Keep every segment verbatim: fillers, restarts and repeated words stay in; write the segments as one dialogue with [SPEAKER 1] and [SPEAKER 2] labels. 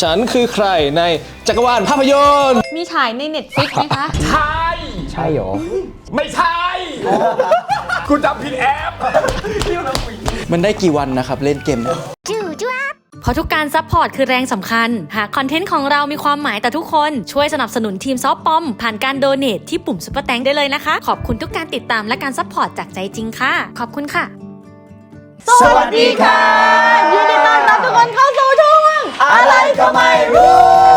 [SPEAKER 1] ฉันคือใครในจักรวาลภาพยนตร์
[SPEAKER 2] มีฉายใน Netflix ไหมคะ
[SPEAKER 3] ใช่
[SPEAKER 4] ใช่หรอ
[SPEAKER 3] ไม่ใช่กูจำผิดแอป
[SPEAKER 5] มันได้กี่วันนะครับเล่นเกมเนี่ย
[SPEAKER 2] เพราะทุกการซัพพอร์ตคือแรงสำคัญหากคอนเทนต์ของเรามีความหมายต่อทุกคนช่วยสนับสนุนทีมซอฟปอมผ่านการโดเนทที่ปุ่มซุปเปอร์แตงได้เลยนะคะขอบคุณทุกการติดตามและการซัพพอร์ตจากใจจริงค่ะขอบคุณค่ะ
[SPEAKER 3] สวัสดีค่ะ
[SPEAKER 2] ยินดีต้อนรับทุกคนเข้าสู่ช่วง
[SPEAKER 3] อะไรก็ไม่รู้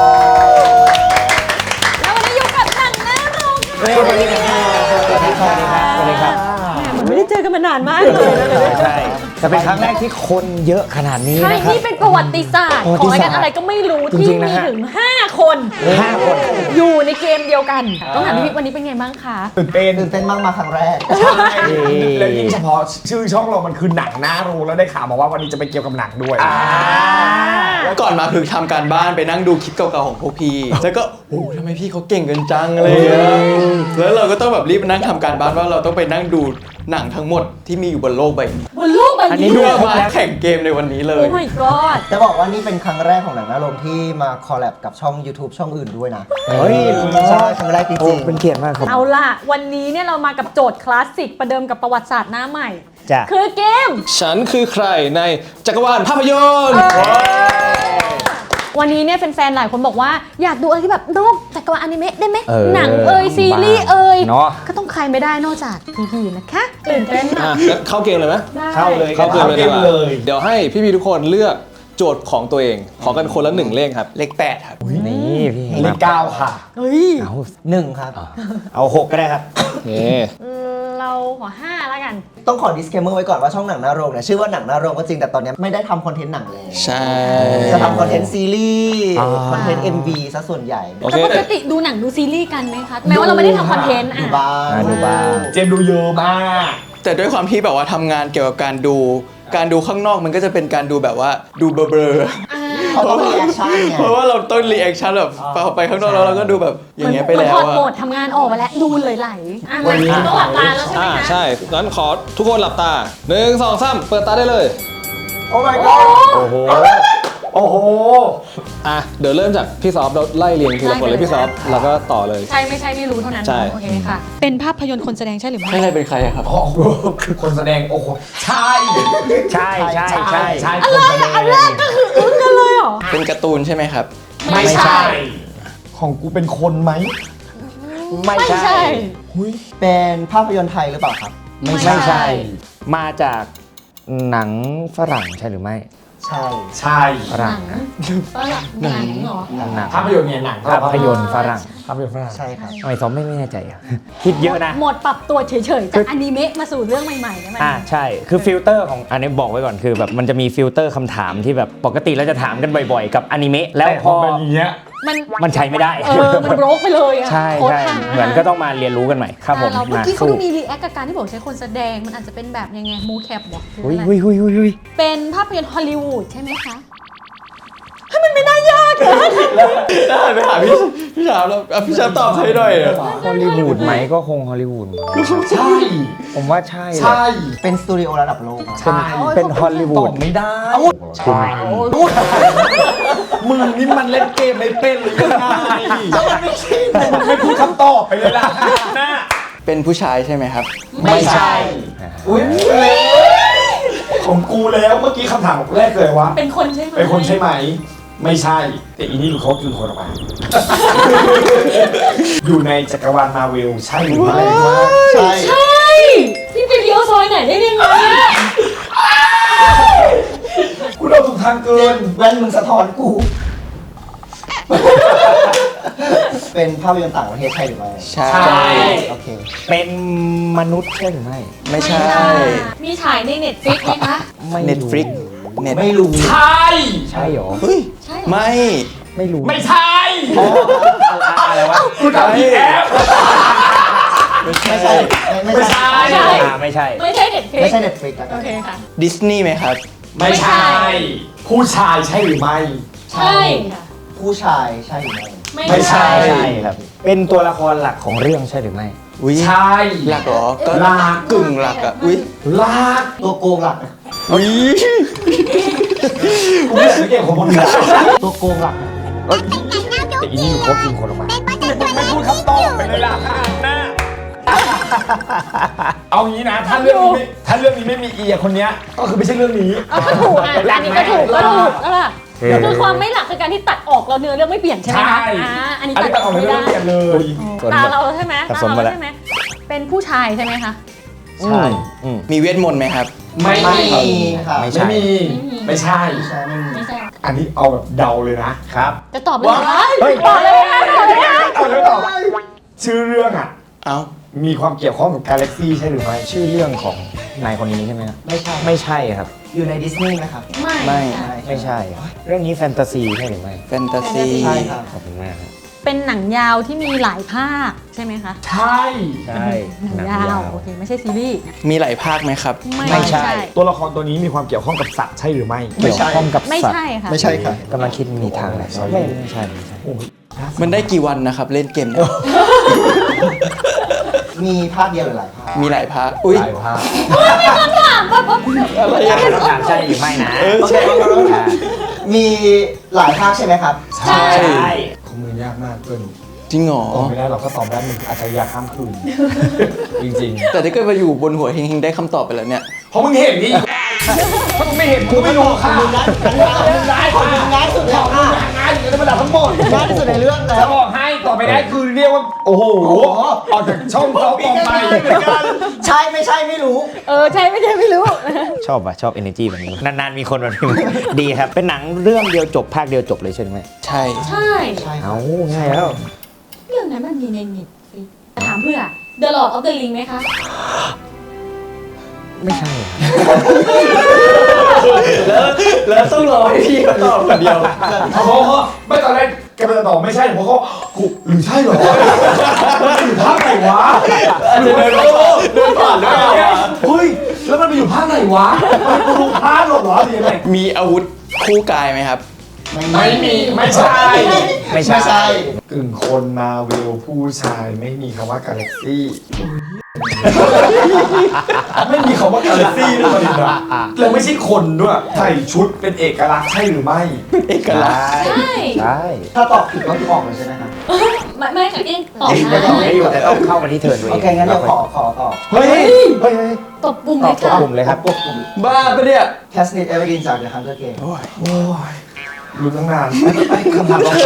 [SPEAKER 2] แล้ววันนี้อยู่กับหนังหน้าโรงค่ะ
[SPEAKER 4] สวัสดีครับสวัสดีครับสวัสดีครับ
[SPEAKER 2] ไม่ได้เจอกันมานานมากเลยนะ
[SPEAKER 4] ใช่แต่เป็นครั้งแรกที่คนเยอะขนาดนี้
[SPEAKER 2] ใช่
[SPEAKER 4] นะครับ
[SPEAKER 2] นี่เป็นประวัติศาสตร์ของรายการอะไรก็ไม่รู้ที่มีถึงห้าคน
[SPEAKER 4] ห้าคน
[SPEAKER 2] อยู่ในเกมเดียวกันต้องถามพี่วันนี้เป็นไงบ้างคะ
[SPEAKER 3] ตื่นเต้น
[SPEAKER 6] ตื่นเต้นมากมาครั้งแรก
[SPEAKER 3] ใช่แล้วยิ่งเฉพาะชื่อช่องเรามันคือหนังหน้าโรงแล้วได้ข่าวมาว่าวันนี้จะไปเกี่ยวกับหนังด้วย
[SPEAKER 5] ก่อนมาคือทำการบ้านไปนั่งดูคลิปเก่าๆของพวกพี่แล้วก็โอ้ทำไมพี่เขาเก่งกันจังเลยแล้วเราก็ต้องแบบรีบนั่งทำการบ้านว่าเราต้องไปนั่งดูหนังทั้งหมดที่มีอยู่บนโลกใบนี้
[SPEAKER 2] บนโลกใบนี้
[SPEAKER 5] เพื่อมาแข่งเกมในวันนี้เลย
[SPEAKER 2] โอ้ my god
[SPEAKER 6] จะบอกว่านี่เป็นครั้งแรกของหนังหน้าโรงที่มาคอลแลบกับช่อง YouTube ช่องอื่นด้วยนะ
[SPEAKER 4] เฮ้ย
[SPEAKER 6] ใช่ครั้งแรกจริงๆ
[SPEAKER 4] เป็นเกียรติมากครับ
[SPEAKER 2] เอาล่ะวันนี้เนี่ยเรามากับโจทย์คลาสสิกประเดิมกับประวัติศาสตร์หน้าใหม่
[SPEAKER 4] จ้ะ
[SPEAKER 2] คือเกม
[SPEAKER 1] ฉันคือใครในจักรวาลภาพยนตร์
[SPEAKER 2] วันนี้เนี่ยแฟนๆหลายคนบอกว่าอยากดูอะไรที่แบบนอกจักรวาลอนิเมะได้ไหมหนังเอ่ยซีรีส์เอ่ยก็ต้องใครไม่ได้นอกจากพี่ๆนะคะตื่นเต้นมาก
[SPEAKER 1] เข้าเกมเลยไหม
[SPEAKER 4] เข้าเลย
[SPEAKER 1] เข้าเกมเลยดีกว่าเดี๋ยวให้พี่ๆทุกคนเลือกโจทย์ของตัวเองขอกันคนละหนึ่งเลขครับ
[SPEAKER 5] เลขแปดครับ
[SPEAKER 4] นี่พี่
[SPEAKER 3] เลขเก้าค่ะ
[SPEAKER 2] เฮ้ย
[SPEAKER 4] เอา
[SPEAKER 6] หนึ่งครับ
[SPEAKER 4] เอาหกก็ได้ครับ
[SPEAKER 1] นี่
[SPEAKER 2] เราขอห้าแล้วกัน
[SPEAKER 6] ต้องขอ disclaimer ไว้ก่อนว่าช่องหนังหน้าโรงเนี่ยชื่อว่าหนังหน้าโรงก็จริงแต่ตอนนี้ไม่ได้ทำคอนเทนต์หนังเลย
[SPEAKER 5] ใช่
[SPEAKER 6] จะทำคอนเทนต์ซีรีส์คอนเทนต์ เอ็ม วี ซะส่วนใหญ่
[SPEAKER 2] แต่ปกติดูหนังดูซีรีส์กันไหมคะแม้ว่าเราไม่ได้ทำคอนเทนต์
[SPEAKER 6] อ่ะดูบ้าง
[SPEAKER 4] ดูบ้าง
[SPEAKER 3] เจมดูเยอะมาก
[SPEAKER 5] แต่ด้วยความที่แบบว่าทำงานเกี่ยวกับการดูการดูข้างนอกมันก็จะเป็นการดูแบบว่าดูเบลอๆ
[SPEAKER 6] เพราะต้องรีแอคชั่นไง
[SPEAKER 5] เพราะว่าเราต้องรีแอคชั่นแบบพอไปข้างนอกแล้วเราก็ดูแบบอย่างเงี้ยไปแล้ว
[SPEAKER 2] อะโหมดทำงานออกไปแล้วดูเลยไหลวันนี้ต้องหลับตาแล้วใช่ไหมคะ
[SPEAKER 1] ใช่งั้นขอทุกคนหลับตาหนึ่งสองสามเปิดตาได้เลย
[SPEAKER 3] โอ้ my god
[SPEAKER 4] โอ้โห
[SPEAKER 3] โอ้โห
[SPEAKER 1] อ่ะเดี๋ยวเริ่มจากพี่ซอฟเราไล่เรียงทีละคนเลยพี่ซอฟแล้วก็ต่อเลย
[SPEAKER 2] ใช่ไม่ใช่ไม่รู้เท่านั้น
[SPEAKER 1] ใช่
[SPEAKER 2] โอเคค่ะเป็นภาพยนตร์คนแสดงใช่หรือไม่
[SPEAKER 5] ใช่เป็นใครครับ
[SPEAKER 3] โอ้โหคือคนแสดงโอ้โหใช่
[SPEAKER 4] ใช่ใช่ใช่
[SPEAKER 3] ใช่
[SPEAKER 2] อะไรอันแรกก็คืออึ้งกันเลยเหรอ
[SPEAKER 5] เป็นการ์ตูนใช่ไหมครับ
[SPEAKER 3] ไม่ใช่ของกูเป็นคนไหม
[SPEAKER 4] ไม่ใช่
[SPEAKER 6] เป็นภาพยนตร์ไทยหรือเปล่าครับ
[SPEAKER 4] ไม่ใช่มาจากหนังฝรั่งใช่หรือไม่
[SPEAKER 6] ใช่
[SPEAKER 3] ใช่
[SPEAKER 4] ฝรั่งนะ
[SPEAKER 2] หนังเหรอ
[SPEAKER 4] หนัง
[SPEAKER 3] ภาพยนตร์เนี่ยหนัง
[SPEAKER 4] ภาพยนตร์ฝรั่ง
[SPEAKER 3] ภาพยนตร์ฝรั่ง
[SPEAKER 6] ใช่ครับ
[SPEAKER 4] ทำไมซอมไม่แน่ใจอ่ะคิดเยอะนะ
[SPEAKER 2] หมดปรับตัวเฉยๆจากอนิเมะมาสู่เรื่องใหม่ๆใช่ไหม
[SPEAKER 4] อ่าใช่คือฟิลเตอร์ของอันนี้บอกไว้ก่อนคือแบบมันจะมีฟิลเตอร์คำถามที่แบบปกติเราจะถามกันบ่อยๆกับอนิเมะแล้วพอ
[SPEAKER 3] เป็นอย่างเงี้ย
[SPEAKER 2] มัน
[SPEAKER 4] มันใช้ไม่ได้
[SPEAKER 2] เออมันโรคไปเลยอ่ะ
[SPEAKER 4] ใช่ใช่เหมือนก็ต้องมาเรียนรู้กันใหม่ครับผม
[SPEAKER 2] เมื่อกี้เขามีรีแอคกับการที่บอกใช้คนแสดงมันอาจจะเป็นแบบยังไงมูแคปบอก
[SPEAKER 4] อุ้ยอุ้ยอุ้ยอุ้ย
[SPEAKER 2] เป็นภาพยนตร์ฮอลลีวูดใช่ไหมคะให้มันไม่น่ายากเลย
[SPEAKER 5] ได้ไปหาพี่พี่ชาแล้วพี่ชาตอบให้หน่อย
[SPEAKER 4] ฮอลลีวูดไหมก็คงฮอลลีวูด
[SPEAKER 3] ใช่
[SPEAKER 4] ผมว่าใช่
[SPEAKER 3] ใช่
[SPEAKER 6] เป็นสตูดิโอระดับโลก
[SPEAKER 3] ใช่
[SPEAKER 4] เป็นฮอลลีวูด
[SPEAKER 3] ไม่ได้มึงนี่มันเล่นเกมไม่เป็นหรือยังไงไม่ใช่มึงไม่พูดคำตอบไปเลยล่ะน่า
[SPEAKER 5] เป็นผู้ชายใช่ไหมครับ
[SPEAKER 3] ไม่ใช่อุ้ยของกูแล้วเมื่อกี้คำถามแรกเลยว่า
[SPEAKER 2] เป็นคนใช่ไหม
[SPEAKER 3] เป็นคนใช่ไหมไม่ใช่แต่อีนี่หลุดเขาคือคนออกมาอยู่ในจักรวาลมาเวลใช่หรือไม่
[SPEAKER 2] ใช่ใช่พี่ไปเลี้ยวซอยไหนได้ยังไง
[SPEAKER 3] กูเดาถูกทางเกิน
[SPEAKER 6] แว่นมึงสะท้อนกูเป็นภาพยนตร์ต่างประเทศใช่หรือไม่
[SPEAKER 5] ใช่
[SPEAKER 6] โอเค
[SPEAKER 4] เป็นมนุษย์ใช่หรือไม่
[SPEAKER 5] ไม่ใช่
[SPEAKER 2] มีฉายใน Netflix ไหมคะ
[SPEAKER 5] Netflix
[SPEAKER 6] ไม่รู้
[SPEAKER 3] ใช่
[SPEAKER 4] ใช่หรอ
[SPEAKER 5] เฮ้ยไม่
[SPEAKER 4] ไม่รู้
[SPEAKER 3] ไม่ใช่
[SPEAKER 4] อะไรวะ
[SPEAKER 3] กูทำผิดแอป
[SPEAKER 6] ไม่ใช่ไม่ใช่
[SPEAKER 4] ไม่ใช่
[SPEAKER 2] ไม่ใช่ Netflix
[SPEAKER 6] ไม่ใช่ Netflix
[SPEAKER 2] โอเคค่ะ
[SPEAKER 5] ดิสนีย์ไหมครับ
[SPEAKER 3] ไม่ใช่ผู้ชายใช่หรือไม่
[SPEAKER 2] ใช่ค่ะ
[SPEAKER 6] ผู้ชายใช่หรือไม่
[SPEAKER 3] ไม่ใช่
[SPEAKER 4] ครับเป็นตัวละครหลักของเรื่องใช่หรือไม่
[SPEAKER 5] อุ้ย
[SPEAKER 3] ใช่
[SPEAKER 5] หลักเหรอก็
[SPEAKER 3] หลัก
[SPEAKER 5] กึ่งหลักอ่ะอุ้ย
[SPEAKER 3] หลัก
[SPEAKER 6] ตัวโกงหลัก
[SPEAKER 5] อุ้ย
[SPEAKER 3] กูไม่ใช่เก่งของคนอื่นตัวโกงหลักเอ้ยแต่อีนี่มันโคตรกินคนออกมาไม่พูดคำตอบไปเลยล่ะหน้าเอางี้นะถ้าเรื่องนี้ไม่ถ้าเรื่องนี้ไม่มีเอียคนเนี้ยก็คือไม่ใช่เรื่องนี้
[SPEAKER 7] เอาก็ถูกอ่ะอันนี้ก็ถูกก็ถูกแล้วล่ะคือความไม่หลักคือการที่ตัดออกเราเนื้อเรื่องไม่เปลี่ยนใช่ไหมคะอ่าอันนี้
[SPEAKER 3] อัน
[SPEAKER 7] ตั
[SPEAKER 3] นี้
[SPEAKER 7] ด
[SPEAKER 3] ตัด
[SPEAKER 7] อ
[SPEAKER 3] อ
[SPEAKER 7] อ
[SPEAKER 3] อก ก
[SPEAKER 7] ไม่
[SPEAKER 3] ไม่
[SPEAKER 7] ได้
[SPEAKER 3] ได้เปลี่ยนเลย
[SPEAKER 7] ตาเราใช่ไหม
[SPEAKER 4] ผ
[SPEAKER 7] ตา
[SPEAKER 4] สม
[SPEAKER 7] เรา
[SPEAKER 4] มาแล้ว
[SPEAKER 7] ใช่ไหมเป็นผู้ชายใช่ไหมคะ
[SPEAKER 4] ใช่อืม
[SPEAKER 5] มีเวทมนต์ไหมครับ
[SPEAKER 3] ไม่
[SPEAKER 6] ไม่มีค่ะ
[SPEAKER 4] ไม่ใช่
[SPEAKER 3] ไม่มีไม่ใช่
[SPEAKER 6] ใช่ไม่มี
[SPEAKER 7] ไม่ใช่
[SPEAKER 3] อันนี้เอาแบบเดาเลยนะครับ
[SPEAKER 7] จะตอบเลยเหรอ
[SPEAKER 3] เฮ้ย
[SPEAKER 7] ตอบเลยนะตอบเลยนะ
[SPEAKER 3] เอาเลยตอบชื่อเรื่องอ่ะ
[SPEAKER 5] เอ้า
[SPEAKER 3] มีความเกี่ยวข้องกับกาแล็กซี่ใช่หรือไม่
[SPEAKER 4] ชื่อเรื่องของนายคนนี้ใช่ไหมครับ
[SPEAKER 6] ไม่ใช่
[SPEAKER 4] ไม่ใช่ครับ
[SPEAKER 6] อยู่ในดิสนีย์ไหมครับ
[SPEAKER 7] ไม่
[SPEAKER 5] ไม่
[SPEAKER 6] ใช่
[SPEAKER 4] ไม่ใช่ครับเรื่องนี้แฟนตาซีใช่หรือไม่
[SPEAKER 5] แฟนตาซี
[SPEAKER 6] ใช่ครับ
[SPEAKER 4] ขอบคุณมากครับ
[SPEAKER 7] เป็นหนังยาวที่มีหลายภาคใช่ไหมคะ
[SPEAKER 3] ใช่
[SPEAKER 4] ใช่
[SPEAKER 7] หนังยาวโอเคไม่ใช่ซีรีส์
[SPEAKER 5] มีหลายภาคไหมครับ
[SPEAKER 4] ไม่ใช่
[SPEAKER 3] ตัวละครตัวนี้มีความเกี่ยวข้องกับสัตว์ใช่หรือไม่
[SPEAKER 4] เกี่ยวข้องกับ
[SPEAKER 7] ไม่
[SPEAKER 4] สัตว์
[SPEAKER 7] ใช่ค่ะ
[SPEAKER 6] ไม่ใช่ค่ะ
[SPEAKER 4] กำลังคิดมีทางไหนไม่ไม่ใช่ไม่ใช่
[SPEAKER 3] โอ้ย
[SPEAKER 5] มันได้กี่วันนะครับเล่นเกมเนี่ย
[SPEAKER 6] มีภาคเดียวหรือหลายภาค
[SPEAKER 5] มีหลายภาค อุ้ย
[SPEAKER 3] หลายภาค
[SPEAKER 5] อะไรอะ
[SPEAKER 4] ต้องถามใช่หรือไม่นะ
[SPEAKER 6] โอเคครับมีหลายภาคใช่ไหมครับ
[SPEAKER 5] ใช่
[SPEAKER 3] ของมือยากมากเกิน
[SPEAKER 5] จริงเหรอ
[SPEAKER 3] ตอบไม่ได้หรอกถ้าตอบได้มันอาจจะยากข้ามคืนจริง
[SPEAKER 5] แต่ถ้าเกิดมาอยู่บนหัวเฮงๆได้คำตอบไปแล้วเนี่ย
[SPEAKER 3] ๆเพราะมึงเห็นนี่ถ้ามึงไม่เห็นมึงไม่รู้ค่ะมึงร้ายค่ะ
[SPEAKER 6] ง่ายสุดแล้วค่ะ
[SPEAKER 3] งานอยู่ในระดับทั้งหมด
[SPEAKER 6] ง่ายที่สุดในเรื่องแล้
[SPEAKER 3] จะ
[SPEAKER 6] ว
[SPEAKER 3] บอกให้ต่อไปได้คือเรียกว่าโอ้โหออกจากช่องเขาออกไป
[SPEAKER 6] ใช่ไม่ใช่ไม่รู้
[SPEAKER 7] เออใช่ไม่ใช่ไม่รู้
[SPEAKER 4] ชอบอ่ะชอบ energy แบบนี้นานๆมีคนแบบนี้ ดีครับ เป็นหนังเรื่องเดียวจบภาคเดียวจบเลยใช่ไหม
[SPEAKER 5] ใช่
[SPEAKER 7] ใช่
[SPEAKER 6] ใช่ครับ
[SPEAKER 4] เอาง่ายแล้ว
[SPEAKER 7] เรื่องนั้นมันมีในเน็ตฟลิกถามเพื่อ The Lord of the Ring ไหมคะ
[SPEAKER 4] ไม่ใช่ครับ
[SPEAKER 5] แล้วแล้วต้องรอให้พี่เขาตอบคนเดียว
[SPEAKER 3] เขาเขาไม่ตอนแรกแกเป็นตอบไม่ใช่เพราะเขากูหรือใช่เหรอมันอยู่ภาคไหนวะ
[SPEAKER 5] เดินเดินผ่านด้วยเหรอ
[SPEAKER 3] เฮ้ยแล้วมันไปอยู่ภาคไหนวะมันกูรู้ภาคหรอเหรอหรือยังไง
[SPEAKER 5] มีอาวุธคู่กายไหมครับ
[SPEAKER 3] ไม่มีไม่ใช่
[SPEAKER 4] ไม่ใช่
[SPEAKER 6] ไม่ใช่
[SPEAKER 3] กึ่งคนมาเวลผู้ชายไม่มีคำว่ากาแล็กซี่ไม่มีคำว่ากาแล็กซี่ด้วยนะแล้วไม่ใช่คนด้วยใส่ชุดเป็นเอกลักษณ์ใช่หรือไม่
[SPEAKER 5] เอกลักษณ์
[SPEAKER 7] ใช่
[SPEAKER 4] ใช่
[SPEAKER 6] ถ้าตอบผิดก็คือออกเลยใช่ไหมครับ
[SPEAKER 7] ไม่ไม่ค่ะยังตอบ
[SPEAKER 4] ยัง
[SPEAKER 7] ได้
[SPEAKER 4] ตอบได้อยู่แต่ต้องเข้ามาที่เทิร์นตัวเอ
[SPEAKER 6] โอง เคงั้นเดี๋ยวขอขอตอบ
[SPEAKER 3] เฮ้ยเฮ้ยเฮ้ย
[SPEAKER 7] ตบปุ่ม
[SPEAKER 4] ต
[SPEAKER 7] เล
[SPEAKER 4] อบ
[SPEAKER 7] ย
[SPEAKER 4] ตัว
[SPEAKER 7] ค่ะ
[SPEAKER 4] กลุ่มเลยครับ
[SPEAKER 6] ปุ๊บปุ๊บ
[SPEAKER 5] บ้าปะเนี่ย
[SPEAKER 6] แคสตินเอเวอร์กินจาก The Hunger Game
[SPEAKER 5] โอ้ย
[SPEAKER 3] โอ้ยรู้ตั้งนาน
[SPEAKER 6] คำถามเรา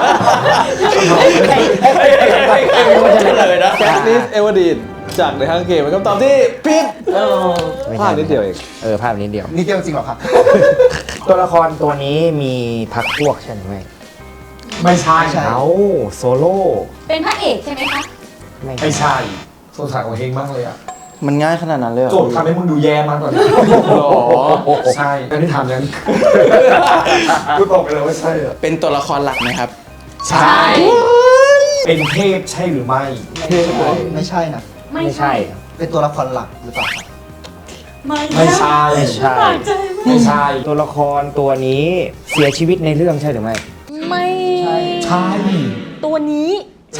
[SPEAKER 5] มันจะเลยนะ
[SPEAKER 1] แคสติสเอเวอร์ดีนจากในทางเกมเป็นคำตอบที่ผิดเออ
[SPEAKER 4] ไม่
[SPEAKER 1] พ
[SPEAKER 4] ใช่
[SPEAKER 1] ลาดนิดเดียวเอง
[SPEAKER 4] เออภาพนิดเดียว
[SPEAKER 6] นี่เดียวจริงเหรอครับ
[SPEAKER 4] ตัวละครตัวนี้มีพักพวกใช่ไหม
[SPEAKER 3] ไม่ใช่
[SPEAKER 6] ใช่
[SPEAKER 4] เอาโซโล่
[SPEAKER 7] เป็นพระเอกใช่ไหมคะ
[SPEAKER 4] ไม่
[SPEAKER 3] ไม่ใช่สงสารของเฮงมากเลยอะ
[SPEAKER 5] มันง่ายขนาดนั้นเลยเหรอ
[SPEAKER 3] โจทย์ทำให้มึงดูแย่มากตอนนี้
[SPEAKER 5] หรอ
[SPEAKER 3] ใช่อันนี้ถามยังกูตอบไปเลยว่าใช่อะ
[SPEAKER 5] เป็นตัวละครหลักไหมครับ
[SPEAKER 3] ใช่ เป็นเทพใช่หรือไม่
[SPEAKER 6] ไม่ใช่นะ
[SPEAKER 7] ไม่
[SPEAKER 4] ไม่
[SPEAKER 7] ใช่
[SPEAKER 4] ใช่
[SPEAKER 6] เป็นตัวละครหลักหรือเปล่าครับ
[SPEAKER 7] ไม่
[SPEAKER 3] ไม่ใช่
[SPEAKER 4] ไม่ใช่
[SPEAKER 7] ปากใจมาก
[SPEAKER 3] ไม่ใช่
[SPEAKER 4] ตัวละครตัวนี้เสียชีวิตในเรื่องใช่หรือไม่
[SPEAKER 7] ไม่
[SPEAKER 3] ใช่
[SPEAKER 7] ตัวนี้
[SPEAKER 3] ใช่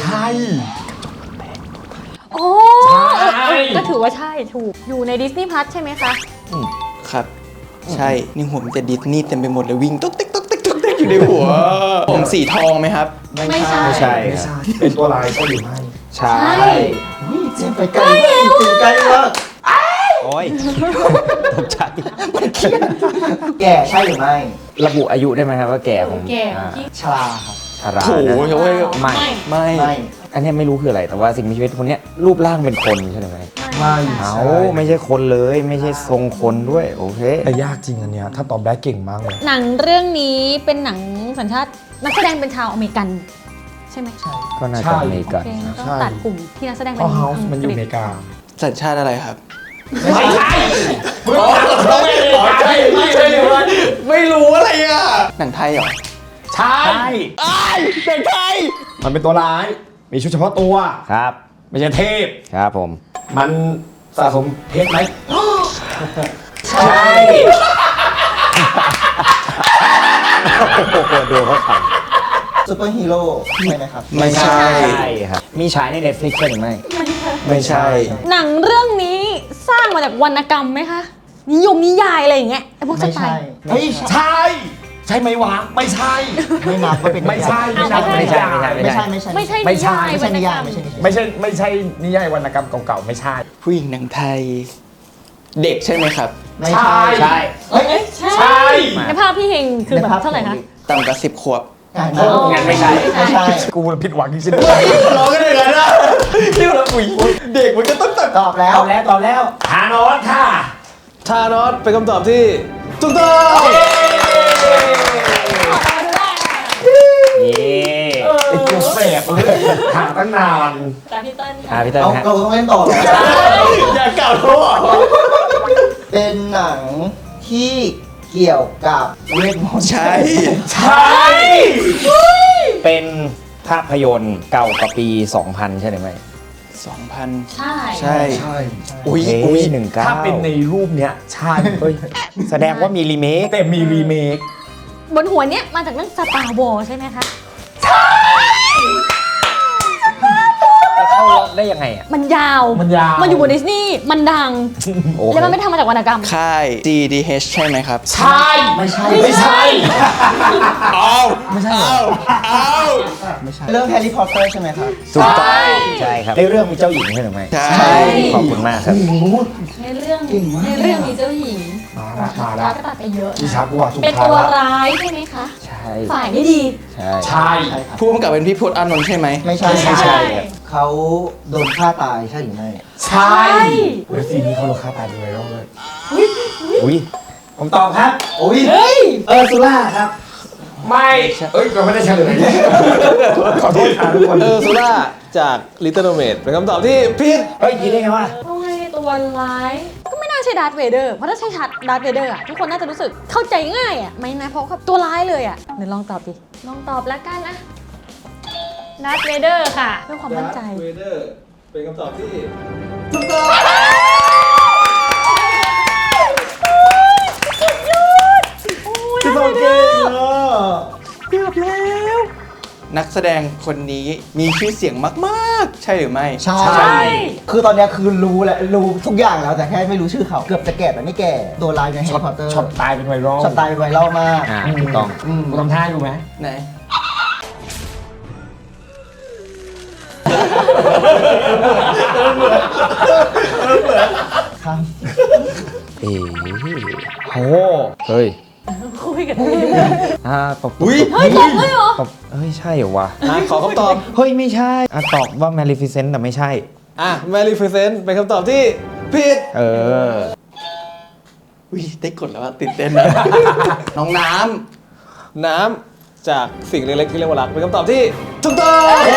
[SPEAKER 7] โอ้
[SPEAKER 3] ใช่
[SPEAKER 7] เออเออก็ถือว่าใช่ถูกอยู่ในดิสนีย์พลัสใช่ไหมคะ
[SPEAKER 5] ครับ ใช่ นี่หัวมันจะดิสนีย์เต็มไปหมดเลยวิ่งตุ๊กติ๊กตุ๊กติ๊กตุ๊กติ๊กอยู่ในหัว ผมสีทองไหมครับ
[SPEAKER 7] ไม่ใช่
[SPEAKER 4] ไม่ใช่
[SPEAKER 3] ไม่ใช่ เป็นตัวลายใช่หรือไม่
[SPEAKER 4] ใช่
[SPEAKER 6] อุ้ยเจมไปไกลมากจริงๆไกลมาก
[SPEAKER 4] โอ้ยตกใจ
[SPEAKER 6] แก่ใช่หรือไม่
[SPEAKER 4] ระบุอายุได้ไหมครับว่าแก่ผม
[SPEAKER 7] แก่
[SPEAKER 4] อ่า
[SPEAKER 7] ที่
[SPEAKER 6] ชราครับ
[SPEAKER 4] ชรา
[SPEAKER 5] โถ
[SPEAKER 4] นะ
[SPEAKER 5] โอ้ย
[SPEAKER 4] ไม่
[SPEAKER 5] ไม่
[SPEAKER 6] ไม่
[SPEAKER 4] อันเนี้ยไม่รู้คืออะไร แต่ว่าสิ่งมีชีวิตคนเนี้ยรูปร่างเป็นคนใช่ไหม
[SPEAKER 3] ไม่
[SPEAKER 4] เอาไม่ใช่คนเลย ไม่ใช่ทรงคนด้วย โอเค
[SPEAKER 3] แต่ยากจริงอันเนี้ยถ้าตอบได้เก่งมากเลย
[SPEAKER 7] หนังเรื่องนี้เป็นหนังสัญชาตินักแสดงเป็นชาวอเมริกัน ใช่ไหมใช่
[SPEAKER 4] ก็น่า
[SPEAKER 3] ใช่
[SPEAKER 4] จะอเมริกัน
[SPEAKER 7] เพลง
[SPEAKER 4] นะ
[SPEAKER 7] ต้องตัดกลุ่มที่นักแสดง
[SPEAKER 3] เพ
[SPEAKER 7] เป็น
[SPEAKER 3] ราะเฮาส์มันอยู่อเมริกา
[SPEAKER 5] สัญชาติอะไรครับ
[SPEAKER 3] ไม่ใช่มึงถามไม่ใช่ไม่ใช่เลย
[SPEAKER 5] ไม่รู้อะไรอ่ะ หนังไทยเหรอ
[SPEAKER 3] ใช่
[SPEAKER 5] อ้ายหนังไทย
[SPEAKER 3] มันเป็นตัวร้าย มีชุดเฉพาะตัว
[SPEAKER 4] ครับ
[SPEAKER 3] ไม่ใช่เทพ
[SPEAKER 4] ครับผม
[SPEAKER 3] มันสะสมเพชรไหม
[SPEAKER 6] ใช่
[SPEAKER 4] โอ้โหดูเขาข
[SPEAKER 6] ซูเปอร์ฮีโร่ใช่ไหมครับ
[SPEAKER 5] ไม่ใช่
[SPEAKER 4] ำใช่ครับ มีฉายใน Netflix ใช่หรือไม่
[SPEAKER 5] ไม่ใช่
[SPEAKER 7] หนังเรื่องนี้สร้างมาจากวรรณกรรมไหมคะนิยมนิยายอะไรอย่างเงี้ยไอ้พวกส
[SPEAKER 6] ไม่
[SPEAKER 7] ไต
[SPEAKER 6] ใช่
[SPEAKER 7] ล์
[SPEAKER 3] เฮ้ยใช่ ใช่ไหมวะไม่ใช่
[SPEAKER 6] ไม่นับว่าเป็น
[SPEAKER 3] ไม่ใช่
[SPEAKER 7] อ้าว
[SPEAKER 3] ไม่ใช่
[SPEAKER 4] ไม่ใช่
[SPEAKER 6] ไม่ใช่ไม่ใช่
[SPEAKER 7] ไม่ใช่
[SPEAKER 3] ไม่ใช่
[SPEAKER 7] นิยาย
[SPEAKER 6] ไม่ใช่นิยาย
[SPEAKER 7] วรรณกรร
[SPEAKER 6] ไม่ใช่นิยาย
[SPEAKER 3] ไม่ใช่ไม่ใช่นิยายวรรณกรรมเก่าๆไม่ใช่
[SPEAKER 5] ผู้หญิงหนังไทย เด็กใช่ไหมครับ
[SPEAKER 6] ไม่ใช่
[SPEAKER 3] ใช่
[SPEAKER 6] เฮ้ย
[SPEAKER 7] ใช่
[SPEAKER 3] ใช่
[SPEAKER 7] ในภาพพี่เฮงคือแบบเท่าไหร่คะ
[SPEAKER 5] ต่ำกว่าสิบขวบ
[SPEAKER 6] อ่ะ
[SPEAKER 3] โอ้งั้นไม่ใช่
[SPEAKER 6] ไม่ใช่
[SPEAKER 3] กูผิดหวังจริง
[SPEAKER 5] ร้องกันอย่างนั้นอะที่เราอุ้ยเด็กมันก็ต้องตัด
[SPEAKER 6] ตอบแล้ว
[SPEAKER 3] ตอบแล้วตอบแล้วฮานอสค่ะ
[SPEAKER 1] ทานอสเป็นคำตอบที่ถูกต้อง
[SPEAKER 4] นี่
[SPEAKER 3] ไอ้กูแสบเลยหาตั้งนาน
[SPEAKER 7] แต่พี่เต้น
[SPEAKER 4] อ่าพี่เติ้ล
[SPEAKER 6] เอา
[SPEAKER 4] ฮะ
[SPEAKER 6] เราต้องเล่นต่อเหรอ
[SPEAKER 5] อย่าเก่าโทษ
[SPEAKER 6] เป็นหนังที่เกี่ยวกับเวทมนต์
[SPEAKER 5] ใช่
[SPEAKER 3] ใช่
[SPEAKER 4] เป็นภาพยนตร์เก่ากว่าปี สองพัน ใช่หรือไม่
[SPEAKER 5] สองพัน
[SPEAKER 7] ใช่
[SPEAKER 5] ใช่
[SPEAKER 3] ใช่
[SPEAKER 5] อุ้ย
[SPEAKER 4] เฮ้
[SPEAKER 5] อุ้ย
[SPEAKER 4] หนึ่งเก้า
[SPEAKER 3] ถ้าเป็นในรูปเนี้ยใช่
[SPEAKER 4] เฮ้ยแสดงว่ามีรีเมค
[SPEAKER 3] แต่มีรีเมค
[SPEAKER 7] บนหัวเนี้ยมาจากเรื่อง Star Wars ใช่ไหมคะ
[SPEAKER 4] เข้าล็อกได้ยังไงอ่ะ
[SPEAKER 7] มันยาว
[SPEAKER 3] มันยาว
[SPEAKER 7] มันอยู่บนดิสนีย์มันดัง
[SPEAKER 4] โอ้โห
[SPEAKER 7] แล้วมันไม่ทำมาจากวรรณกรรม
[SPEAKER 5] ค่าย จี ดี เอช ใช่ไหมครับ
[SPEAKER 3] ใช่
[SPEAKER 6] ไม่ใช่
[SPEAKER 3] ไม่ใช่
[SPEAKER 5] เอาไม่ใช่เอาเอา
[SPEAKER 6] เรื่องแฮร์รี่พอตเตอร์ใช่ไหมครับ
[SPEAKER 4] ถูกต้องใช่ครับในเรื่องมีเจ้าหญิงใช่หรือไม่
[SPEAKER 5] ใช่
[SPEAKER 7] ใช่
[SPEAKER 4] ขอบคุณมากครับ
[SPEAKER 7] ในเรื่องในเรื่องมีเจ้าหญิง
[SPEAKER 3] มาละมา
[SPEAKER 7] แล้
[SPEAKER 3] ละ
[SPEAKER 7] วก็ตัดไปเยอะ
[SPEAKER 3] พี่ชักว่าสุ
[SPEAKER 7] เป็น
[SPEAKER 3] ภา
[SPEAKER 7] ตัว
[SPEAKER 3] ละ
[SPEAKER 7] ร้ายใช่ไหมคะ
[SPEAKER 4] ใช่
[SPEAKER 7] ฝ่ายไม่ดี
[SPEAKER 4] ใช่
[SPEAKER 3] ใช่
[SPEAKER 5] ผู้กำกับเป็นพี่พจน์อานนท์ใช่ไหม
[SPEAKER 6] ไม่ใช่
[SPEAKER 3] ไม่ใช่
[SPEAKER 6] เขาโดนฆ่าตายใช่หรือไม่
[SPEAKER 3] ใช่เว็บซีนี้เขาโลค่าตายด้วยแล้วเลย
[SPEAKER 4] อุ้ย
[SPEAKER 3] ผมตอบครับ
[SPEAKER 6] โอ้ย
[SPEAKER 7] เฮ้ย
[SPEAKER 6] เออร์ซูล่าครับ
[SPEAKER 3] ไม่เอ้ยเราไม่ได้เฉลยขอโทษครับทุกคน
[SPEAKER 1] เออซูล่าจาก Little Mermaid เป็นคำตอบที่ผิด
[SPEAKER 3] เฮ้ยคิดได้ไงวะ
[SPEAKER 7] ทำไมตัวร้าย ก็ไม่น่าใช่ดาร์ธเวเดอร์ เพราะถ้าใช่ชัดดาร์ธเวเดอร์อะทุกคนน่าจะรู้สึกเข้าใจง่ายอะไม่นะเพราะเขาตัวร้ายเลยอะเดี๋ยวลองตอบดิ ลองตอบแล้วกันนะดาร์ธเวเดอร์ค่ะเพื่อความมั่นใจ
[SPEAKER 1] เวเดอร์เป็นคำตอบที่
[SPEAKER 6] พี่โตเก่งอ่ะ
[SPEAKER 5] นักแสดงคนนี้มีชื่อเสียงมากๆ ใช่หรือไม่
[SPEAKER 6] ใช่
[SPEAKER 7] ใช่
[SPEAKER 6] คือตอนเนี้ยคือรู้แหละรู้ทุกอย่างแล้วแต่แค่ไม่รู้ชื่อเขา เกือบจะแก่แต่ไม่แก่ ตัวลายในแฮร์รี่พอตเตอร์
[SPEAKER 3] ช็อตตายเป็นไวรัล
[SPEAKER 6] ช็อตตายเป็นไวรัลมาก
[SPEAKER 4] อ่าถูกต้อง
[SPEAKER 6] อืม
[SPEAKER 3] กูทำท่าอยู่ไหม
[SPEAKER 5] ไหน
[SPEAKER 6] ครับ
[SPEAKER 4] เอ๋โห
[SPEAKER 1] เฮ้ย
[SPEAKER 7] คุยกัน
[SPEAKER 4] อ่าตบ
[SPEAKER 5] อุ๊ย
[SPEAKER 7] เฮ้ยตบเลยเหรอ
[SPEAKER 4] ตบเฮ้ยใช่เหรอวะ
[SPEAKER 1] อ่ะขอคำตอบ
[SPEAKER 4] เฮ้ยไม่ใช่อ่ะตอบว่า Maleficent แต่ไม่ใช่
[SPEAKER 1] อ่ะ Maleficent เป็นคำตอบที่ผิด
[SPEAKER 4] เออ
[SPEAKER 5] อุ้ยได้กดแล้วอะตื่นเต้นนะ น้องน้
[SPEAKER 1] น้ำจากสิ่งเล็กๆที่เรียกว่ารักเป็นคำตอบที่ถูกต้อง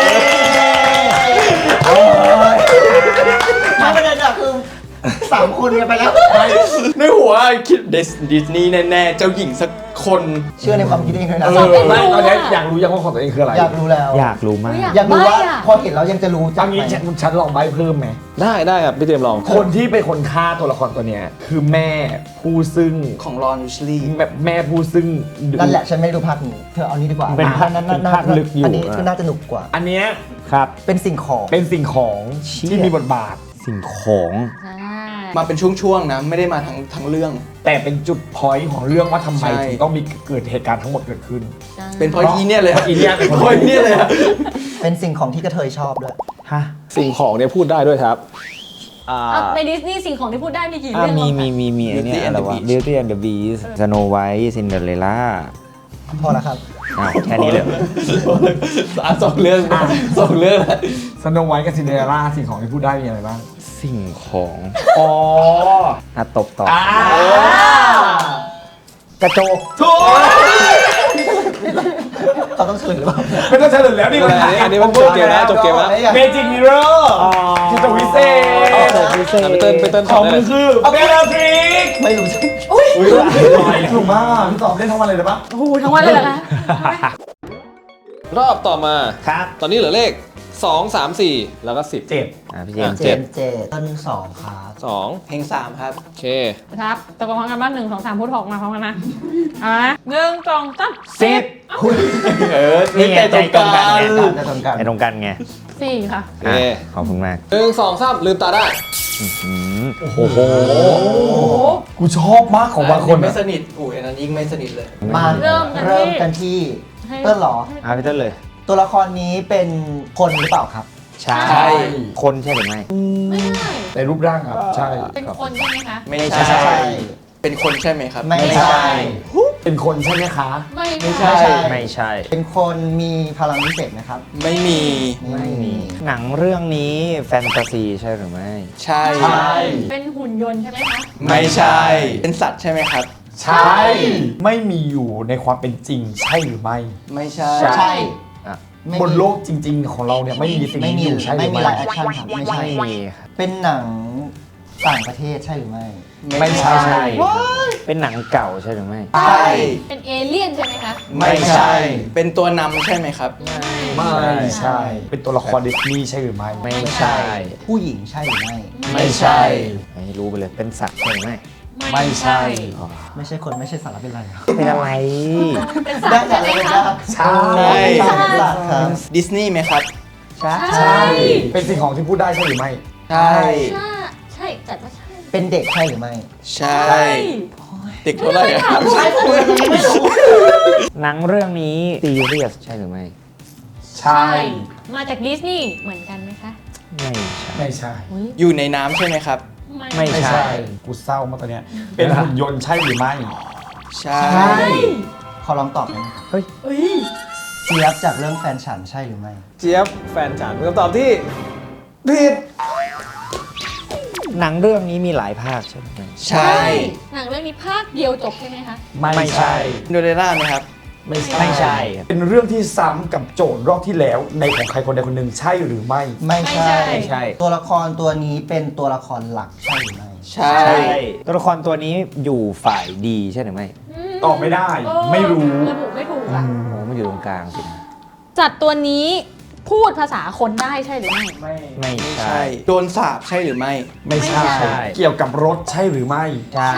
[SPEAKER 6] ไม่ประเด็นอะคือสามคนกันไปแล้ว
[SPEAKER 5] ำในหัวคิดดิสนีย์แน่ๆ เจ้าหญิงสักคน
[SPEAKER 6] เชื่อในความคิดเองด้วยนะ
[SPEAKER 7] สอบเป็น
[SPEAKER 3] ไม่
[SPEAKER 7] รู้
[SPEAKER 3] ตอนนี้
[SPEAKER 7] อะ
[SPEAKER 3] อยากรู้ยังว่าของตัวเองคืออะไร
[SPEAKER 6] อยากรู้แล้ว
[SPEAKER 4] อยากรู้มาก
[SPEAKER 7] อยาก
[SPEAKER 6] อยากรู้ว่า
[SPEAKER 7] ใบ้อะ
[SPEAKER 6] พอเห็นแล้วยังจะรู้จั
[SPEAKER 3] เอา
[SPEAKER 6] กไหม
[SPEAKER 3] งี้ฉันฉันลองใบเพิ่มไหม
[SPEAKER 1] ได้ได้ครับ พี่เจมส์ลอง
[SPEAKER 3] คนที่เป็นคนฆ่าตัวละครตัวเนี้ยคือแม่ผู้ซึ่ง
[SPEAKER 5] ของรอนวิชลีย์
[SPEAKER 3] แม่แม่ผู้ซึ่ง
[SPEAKER 6] นั่นแหละฉันไม่ได้ดูภาคนี้เธอเอานี้ดีกว่า
[SPEAKER 4] เป็นภาค
[SPEAKER 6] นั้น
[SPEAKER 4] เป็นภาคลึกอยู่
[SPEAKER 6] อันนี้
[SPEAKER 4] อ่ะ
[SPEAKER 6] คือน่าจะหนุกกว่า
[SPEAKER 3] อันเนี้ย
[SPEAKER 4] ครับ
[SPEAKER 6] เป็นสิ่งของ
[SPEAKER 3] เป็นสิ่งของ
[SPEAKER 4] เชี่ย
[SPEAKER 3] ที่มีบทบาท
[SPEAKER 4] สิ่งของ
[SPEAKER 7] ใช่
[SPEAKER 5] มาเป็นช่วงๆนะ ไม่ได้มาทั้งทั้งเรื่อง
[SPEAKER 3] แต่เป็นจุดพอยต์ของเรื่องว่าทำไม
[SPEAKER 5] ใช่
[SPEAKER 3] ถึงต้องมีเกิดเหตุการณ์ทั้งหมดเกิดขึ้น
[SPEAKER 5] เป็นเพราะอีเนี่ยเลย
[SPEAKER 3] เพราะอีเนี่ยเป็นคน
[SPEAKER 5] เพราะอีเนี่ยเลยอะ
[SPEAKER 6] เป็นสิ่งของที่กระเทยชอบด้วย
[SPEAKER 4] ฮะ
[SPEAKER 1] สิ่งของเนี่ยพูดได้ด้วยครับ อ่า
[SPEAKER 7] อ่ะในดิสนีย์สิ่งของที่พูดได้มีกี่
[SPEAKER 4] อ่า
[SPEAKER 7] เรื่อง
[SPEAKER 4] มี
[SPEAKER 7] บ้าง
[SPEAKER 4] มี
[SPEAKER 7] คะ
[SPEAKER 4] มีมีไอเนี้ย
[SPEAKER 5] Beauty
[SPEAKER 4] อะไร
[SPEAKER 5] and the
[SPEAKER 4] วะ
[SPEAKER 5] Beast
[SPEAKER 4] Beauty and the Beast Snow White Cinderella
[SPEAKER 6] พอแล้วครับ
[SPEAKER 4] อ้าวแค่นี้เลย
[SPEAKER 5] อ่ะสองเรื่องสองเรื่องแล้ว
[SPEAKER 3] สโนไวท์กับซินเดอเรลล่าสิ่งของที่พูดได้มีอะไรบ้าง
[SPEAKER 4] สิ่งของ
[SPEAKER 3] อ๋อ
[SPEAKER 4] อ่ะตบต่อ
[SPEAKER 3] อ่ากระโจกถูก
[SPEAKER 6] เขาต้องเฉลยหรือเปล่า
[SPEAKER 3] ไม่ต้องเฉลยแล้วนี่
[SPEAKER 1] อันนี้อันนี้มันจบเกมแล้วจบเกมแล้ว
[SPEAKER 3] เมจิกมิเรอร์ที่จะวิเศษ
[SPEAKER 1] อ่ะพี่เติ้ลพี่เติ้ล
[SPEAKER 3] ข
[SPEAKER 1] ต
[SPEAKER 3] อ
[SPEAKER 1] อง บได้
[SPEAKER 3] มึ
[SPEAKER 1] เล
[SPEAKER 3] ง
[SPEAKER 1] ย
[SPEAKER 3] คือเบลลาทริก
[SPEAKER 6] ไม่รู้สิ
[SPEAKER 3] อุ้ยถูกมากพี่ตอบได้ทั้งวันเลยหรือปะ
[SPEAKER 7] โอ้โหทั้งวันเลยเหรอคะ
[SPEAKER 1] รอบต่อมา
[SPEAKER 4] ครับ
[SPEAKER 1] ตอนนี้เหลือเลขสอง สาม สี่แล้วก็สิบ
[SPEAKER 3] เจ็บ
[SPEAKER 4] อ่ะพี่เจมส์
[SPEAKER 6] เจ
[SPEAKER 4] เจ็ด
[SPEAKER 6] นเจต้นสองครับ
[SPEAKER 1] สอง
[SPEAKER 5] เพลงสามครับ
[SPEAKER 1] โอเค
[SPEAKER 7] ครับตะโกนพร้อมกันบ้านหนึ่งสองสามพูดหกมาพร้อมกันนะเอาละหนึ่งสองสาม
[SPEAKER 4] สิบ
[SPEAKER 5] เออ
[SPEAKER 4] นี่ไงใจตรงกันไง
[SPEAKER 6] จะตรงกัน
[SPEAKER 4] ใจตรงกันไง
[SPEAKER 7] สี่ค่ะ
[SPEAKER 1] โอเค
[SPEAKER 4] อ่ะขอบคุณมาก
[SPEAKER 1] หนึ่งสองสามลืมตาได้
[SPEAKER 4] อืม
[SPEAKER 3] โอ้โหกูชอบมากของบางคน
[SPEAKER 5] ไม่
[SPEAKER 3] อะ
[SPEAKER 5] สนิทอุ้ยอันนั้นยิ่งไม่สนิทเลย
[SPEAKER 6] มา
[SPEAKER 7] เริ่มกันที่
[SPEAKER 6] เริ่มกันที่
[SPEAKER 7] ให้
[SPEAKER 6] เต้นเหรอ
[SPEAKER 4] อ่ะพี่เต้นเลย
[SPEAKER 6] ตัวละครนี้เป็นคนหรือเปล่าครับ
[SPEAKER 4] ใช่
[SPEAKER 5] ใช่
[SPEAKER 4] คนใช่หรือไม่
[SPEAKER 7] ไม่ใช่
[SPEAKER 3] ในรูปร่างครับ ใช่
[SPEAKER 7] เป็นคนใช่ไหมคะ
[SPEAKER 5] ไม่
[SPEAKER 4] ไม่
[SPEAKER 5] ใช่
[SPEAKER 4] ใช่
[SPEAKER 5] เป็นคนใช่ไหมครับ
[SPEAKER 6] ไม่ใช่
[SPEAKER 3] เป็นคนใช่ไหมคะ
[SPEAKER 7] ไม่
[SPEAKER 5] ไม่
[SPEAKER 7] ใช่
[SPEAKER 5] ใช่
[SPEAKER 4] ไม่ใช่
[SPEAKER 6] เป็นคนมีพลังพิเศษไหมครับ
[SPEAKER 5] ไม่มี
[SPEAKER 6] ไม่มี
[SPEAKER 4] หนังเรื่องนี้แฟนตาซีใช่หรือไม่
[SPEAKER 5] ใช่
[SPEAKER 3] ใช่
[SPEAKER 7] เป็นหุ่นยนต์ใช่ไหมคะ
[SPEAKER 5] ไม่ใช่ เป็นสัตว์ใช่ไหมครับ
[SPEAKER 3] ใช่ ไม่มีอยู่ในความเป็นจริงใช่หรือไม่
[SPEAKER 5] ไม่ใช่
[SPEAKER 6] ใช่
[SPEAKER 4] อ่ะ
[SPEAKER 6] ไม่
[SPEAKER 3] บน
[SPEAKER 6] มี
[SPEAKER 3] โลกจริง ๆ ของเราเนี่ยไม่มีสิ่ง
[SPEAKER 6] ไม่
[SPEAKER 3] นี้
[SPEAKER 6] มี
[SPEAKER 3] อยู่ใช่ห
[SPEAKER 6] ไม่
[SPEAKER 3] รือ
[SPEAKER 6] มี
[SPEAKER 3] ไม่
[SPEAKER 6] ไลฟ์แอคชั่นครับไม่ใช่
[SPEAKER 4] ไม่มีครับ
[SPEAKER 6] เป็นหนังต่างประเทศใช่หรือไม่
[SPEAKER 3] ไม่ใช่
[SPEAKER 4] เป็นหนังเก่าใช่หรือไม่
[SPEAKER 5] ใช่
[SPEAKER 7] เป็นเอเลี่ยนใช่ไหมคะ
[SPEAKER 5] ไม่ใช่ เป็นตัวนำใช่ไหมครับ
[SPEAKER 3] ไม่ใช่ เป็นตัวละครดิสนีย์ใช่หรือไม่
[SPEAKER 4] ไม่ใช่
[SPEAKER 6] ผู้หญิงใช่หรือไม่
[SPEAKER 5] ไม่ใช่
[SPEAKER 4] ไม่รู้ไปเลย เป็นสัตว์ใช่หรือไม่
[SPEAKER 3] ไม่ใช่
[SPEAKER 6] ไม่ใช่คนไม่ใช่สาระเป็นไรครับ
[SPEAKER 4] เป็นอะไร
[SPEAKER 7] เป็นสัตว์ใช่ไหมคะ
[SPEAKER 3] ใช่
[SPEAKER 6] ไม่ใช่เป็นสัตว์ครับ
[SPEAKER 5] ดิสนีย์ไหมครับ
[SPEAKER 6] ใช่
[SPEAKER 3] ใช่ เป็นสิ่งของที่พูดได้ใช่หรือไม่
[SPEAKER 5] ใช่
[SPEAKER 7] ใช่ใช่จัดว่าใช่
[SPEAKER 6] เป็นเด็กใช่หรือไม่
[SPEAKER 5] ใช่ เด็กเท่าไหร่อะ
[SPEAKER 6] ใช่ผมยังไม่รู้
[SPEAKER 4] หนังเรื่องนี้ซีเรียสใช่หรือไม่
[SPEAKER 3] ใช่
[SPEAKER 7] มาจากดิสนีย์เหมือนกันไหมคะ
[SPEAKER 4] ไม่ใช่
[SPEAKER 3] ไม่ใช่
[SPEAKER 7] อุ๊ย
[SPEAKER 5] อยู่ในน้ำใช่ไหมครับ
[SPEAKER 4] ไม่
[SPEAKER 3] ไม่
[SPEAKER 4] ใช่
[SPEAKER 3] ใช่ กูเศร้ามากตอนเนี้ย เป็นหุ่นยนต์ใช่หรือไม่
[SPEAKER 5] ใช่
[SPEAKER 6] ใช่ขอลองตอบหน่อยนะครับ
[SPEAKER 4] เฮ้ย
[SPEAKER 6] เจี๊ยบจากเรื่องแฟนฉันใช่หรือไม่
[SPEAKER 1] เจี๊ยบแฟนฉันเป็นคำตอบที่ผิด
[SPEAKER 4] หนังเรื่องนี้มีหลายภาคใช่ไหม
[SPEAKER 5] ใช่
[SPEAKER 7] หนังเรื่องนี้ภาคเดียวจบใช่ไหมคะ
[SPEAKER 3] ไม่ใช่
[SPEAKER 5] โดเรล่าไหมครับ
[SPEAKER 3] ไม่ใช่
[SPEAKER 4] ไม่ใช่
[SPEAKER 3] เป็นเรื่องที่ซ้ำกับโจทย์รอบที่แล้วในของใครคนใดคนหนึ่งใช่หรือไม่
[SPEAKER 6] ไม่
[SPEAKER 7] ไม่
[SPEAKER 6] ใช่
[SPEAKER 7] ใช่
[SPEAKER 4] ไม่ใช่
[SPEAKER 6] ตัวละครตัวนี้เป็นตัวละครหลักใช่หรือไม่
[SPEAKER 5] ใช่
[SPEAKER 4] ตัวละครตัวนี้อยู่ฝ่ายดีใช่หรือไม่
[SPEAKER 3] ตอบไม่ได้ ไม่รู้
[SPEAKER 7] ระบุไม่ถูกอ่ะ
[SPEAKER 4] โอ้มันอยู่ตรงกลางสินะ
[SPEAKER 7] จัดตัวนี้พูดภาษาคนได้ใช่หรือไม่
[SPEAKER 3] ไม่
[SPEAKER 4] ไม่
[SPEAKER 5] ไม่
[SPEAKER 4] ใช่
[SPEAKER 5] ใช่ โดนสาบใช่หรือไม่
[SPEAKER 3] ไม่ใช่
[SPEAKER 7] ไม่ใช่
[SPEAKER 3] เกี่ยวกับรถใช่หรือไม่
[SPEAKER 4] ใช่